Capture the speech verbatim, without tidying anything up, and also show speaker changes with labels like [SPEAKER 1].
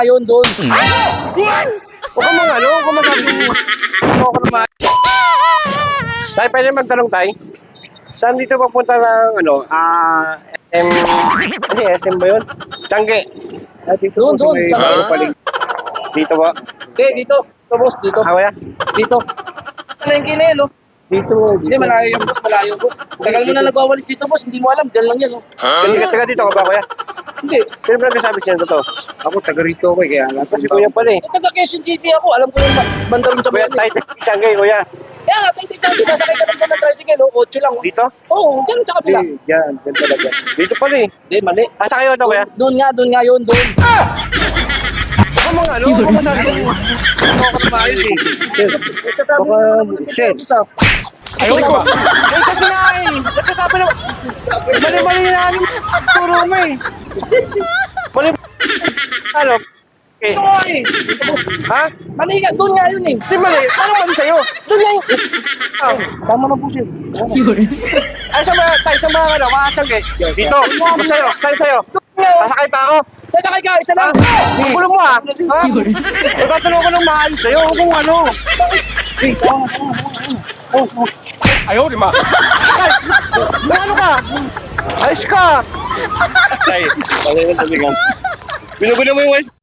[SPEAKER 1] Ayun, doon.
[SPEAKER 2] Huwag ka mga ano, huwag ka masabi mo. Ano ka naman. Tay, pwede magtanong, Tay? Saan dito papunta ng, ano, ah, S M... Hindi, S M ba yun? Tangge. Ah, dito
[SPEAKER 1] Doon,
[SPEAKER 2] po sa
[SPEAKER 1] doon,
[SPEAKER 2] may
[SPEAKER 1] sa-
[SPEAKER 2] bago paling. Dito ba?
[SPEAKER 1] Okay, dito. Ito, boss, dito.
[SPEAKER 2] Ah, kuya?
[SPEAKER 1] Dito. Palengke na yun, oh.
[SPEAKER 2] Dito,
[SPEAKER 1] Hindi, malayo yung boss, malayo boss. Tagal mo na nagwawalis dito, boss. Hindi mo alam, dyan lang yan, oh.
[SPEAKER 2] Taga, taga dito ka ba, kuya?
[SPEAKER 1] Hindi.
[SPEAKER 2] Sino ba nagsasabi siya ng totoo?
[SPEAKER 3] Ako, taga rito ako eh, kaya alam ko
[SPEAKER 2] Kasi kuya pala eh.
[SPEAKER 1] Eh, taga Quezon City ako. Alam ko yung ba- banda rin sa
[SPEAKER 2] Kuya,
[SPEAKER 1] buwan,
[SPEAKER 2] Tay,
[SPEAKER 1] eh.
[SPEAKER 2] Tangge, kuya.
[SPEAKER 1] Kaya nga, tayo dito, sasakay ka lang dyan ng tricycle, oh. Otso lang, oh.
[SPEAKER 2] Dito?
[SPEAKER 1] Oo, oh, dyan sa kabila.
[SPEAKER 3] Hindi, dyan, dyan talaga.
[SPEAKER 2] Dito pala eh.
[SPEAKER 1] Hindi, mali.
[SPEAKER 2] Asa kayo ito, kuya?
[SPEAKER 1] Doon nga, doon nga yun, doon.
[SPEAKER 2] Huwag ka mga ano, huwag ka masabi mo. Ano ka naman ayos eh.
[SPEAKER 3] Baka, sir.
[SPEAKER 2] Ayaw ko ba? Eh, kasi nga eh. Nagkasabi na. Mali-mali na ano. Turo mo eh. Mali. Ano? Okay.
[SPEAKER 1] Ito nga, eh.
[SPEAKER 2] Ha?
[SPEAKER 1] Mali nga, doon nga yun, eh.
[SPEAKER 2] Hindi mali. Ano mali sa'yo?
[SPEAKER 1] Doon nga yun.
[SPEAKER 2] Ah.
[SPEAKER 1] Tama na po, sir.
[SPEAKER 2] Ay, sa mga, tayo sa mga ano, makasang eh. Dito. Kung sa'yo, sa'yo, sa'yo.
[SPEAKER 1] Doon nga, oh.
[SPEAKER 2] Sasakay pa ako.
[SPEAKER 1] Sasakay ka, isa lang.
[SPEAKER 2] Ha? Ang gulo mo ah. Ha? Magkatanong ko ng maayos sa'yo. Huwag kung ano.
[SPEAKER 1] Eh, tama, tama, tama. Oh, oh.
[SPEAKER 2] Ayaw, di ba? Ay, ano ka? Ayos ka. Ay, pagay mo talaga. Binugulo mo yung west.